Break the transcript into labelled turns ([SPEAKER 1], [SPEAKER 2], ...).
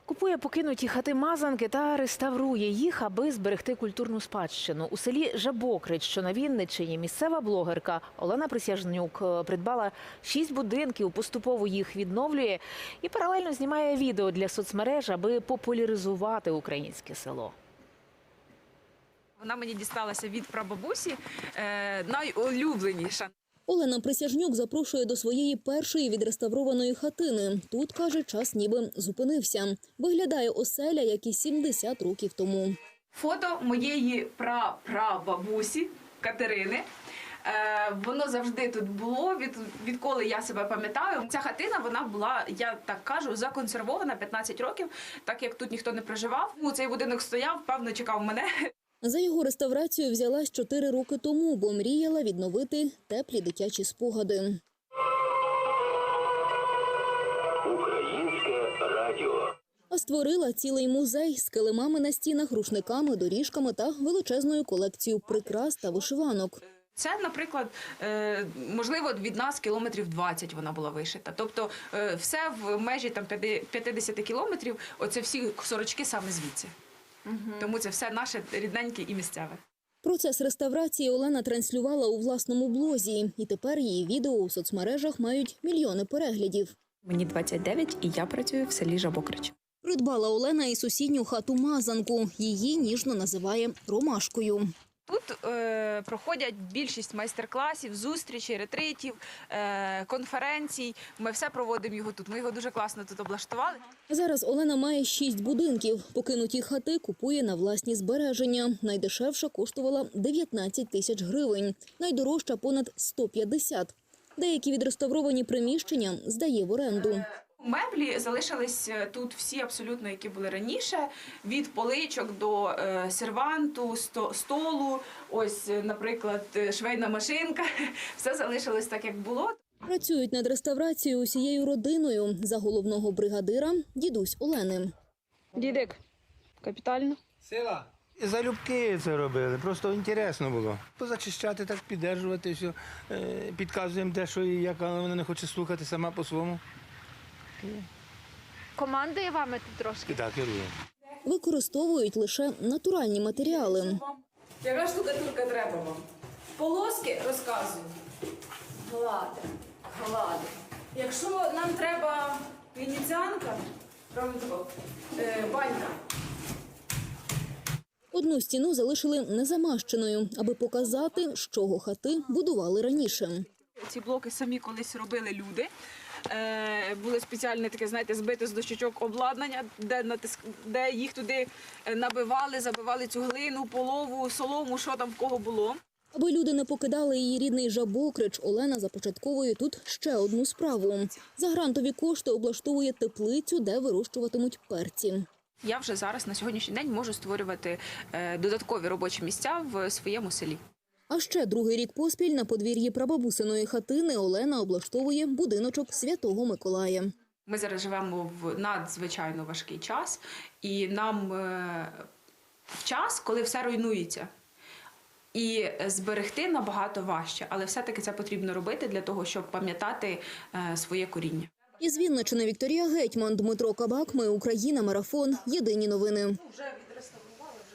[SPEAKER 1] Купує покинуті хати-мазанки та реставрує їх, аби зберегти культурну спадщину. У селі Жабокрич, що на Вінниччині, місцева блогерка Олена Присяжнюк придбала 6 будинків, поступово їх відновлює і паралельно знімає відео для соцмереж, аби популяризувати українське село.
[SPEAKER 2] Вона мені дісталася від прабабусі, найулюбленіша.
[SPEAKER 3] Олена Присяжнюк запрошує до своєї першої відреставрованої хатини. Тут, каже, час ніби зупинився. Виглядає оселя, як і 70 років тому.
[SPEAKER 2] Фото моєї прабабусі Катерини. Воно завжди тут було, відколи я себе пам'ятаю. Ця хатина, вона була, я так кажу, законсервована 15 років, так як тут ніхто не проживав. Цей будинок стояв, певно, чекав мене.
[SPEAKER 3] За його реставрацію взялась 4 роки тому, бо мріяла відновити теплі дитячі спогади.
[SPEAKER 4] Українське радіо.
[SPEAKER 3] А створила цілий музей з килимами на стінах, рушниками, доріжками та величезною колекцією прикрас та вишиванок.
[SPEAKER 2] Це, наприклад, можливо, від нас кілометрів 20 вона була вишита. Тобто все в межі 50 кілометрів, оце всі сорочки саме звідси. Тому це все наше рідненьке і місцеве.
[SPEAKER 3] Процес реставрації Олена транслювала у власному блозі. І тепер її відео у соцмережах мають мільйони переглядів.
[SPEAKER 2] Мені 29 і я працюю в селі Жабокрич.
[SPEAKER 3] Придбала Олена і сусідню хату-мазанку. Її ніжно називає «ромашкою».
[SPEAKER 2] Тут проходять більшість майстер-класів, зустрічей, ретритів, конференцій. Ми все проводимо його тут. Ми його дуже класно тут облаштували.
[SPEAKER 3] Зараз Олена має 6 будинків. Покинуті хати купує на власні збереження. Найдешевша коштувала 19 тисяч гривень, найдорожча – понад 150. Деякі відреставровані приміщення здає в оренду.
[SPEAKER 2] Меблі залишились тут всі абсолютно, які були раніше. Від поличок до серванту, столу, ось, наприклад, швейна машинка. Все залишилось так, як було.
[SPEAKER 3] Працюють над реставрацією усією родиною. За головного бригадира – дідусь Олени.
[SPEAKER 2] Дідик, капітально.
[SPEAKER 5] Сила. Залюбки це робили, просто інтересно було. Позачищати, так піддержувати, все. Підказуємо де, що і як, але вона не хоче слухати сама по-своєму.
[SPEAKER 6] Командує вами тут трошки?
[SPEAKER 5] Так, керує.
[SPEAKER 3] Використовують лише натуральні матеріали.
[SPEAKER 2] Яка штукатурка треба вам? Полоски розказую. Глади. Якщо нам треба венеціанка, банька.
[SPEAKER 3] Одну стіну залишили незамащеною, аби показати, з чого хати будували раніше.
[SPEAKER 2] Ці блоки самі колись робили люди. Було спеціальне таке, знаєте, збите з дощечок обладнання, де їх туди набивали, забивали цю глину, полову, солому, що там в кого було.
[SPEAKER 3] Аби люди не покидали її рідний Жабокрич, Олена започатковує тут ще одну справу. За грантові кошти облаштовує теплицю, де вирощуватимуть перці.
[SPEAKER 2] Я вже зараз на сьогоднішній день можу створювати додаткові робочі місця в своєму селі.
[SPEAKER 3] А ще другий рік поспіль на подвір'ї прабабусиної хатини Олена облаштовує будиночок Святого Миколая.
[SPEAKER 2] Ми зараз живемо в надзвичайно важкий час, і нам в час, коли все руйнується, і зберегти набагато важче, але все-таки це потрібно робити для того, щоб пам'ятати своє коріння.
[SPEAKER 3] Із Вінниччини Вікторія Гетьман, Дмитро Кабак. Ми Україна. Марафон. Єдині новини.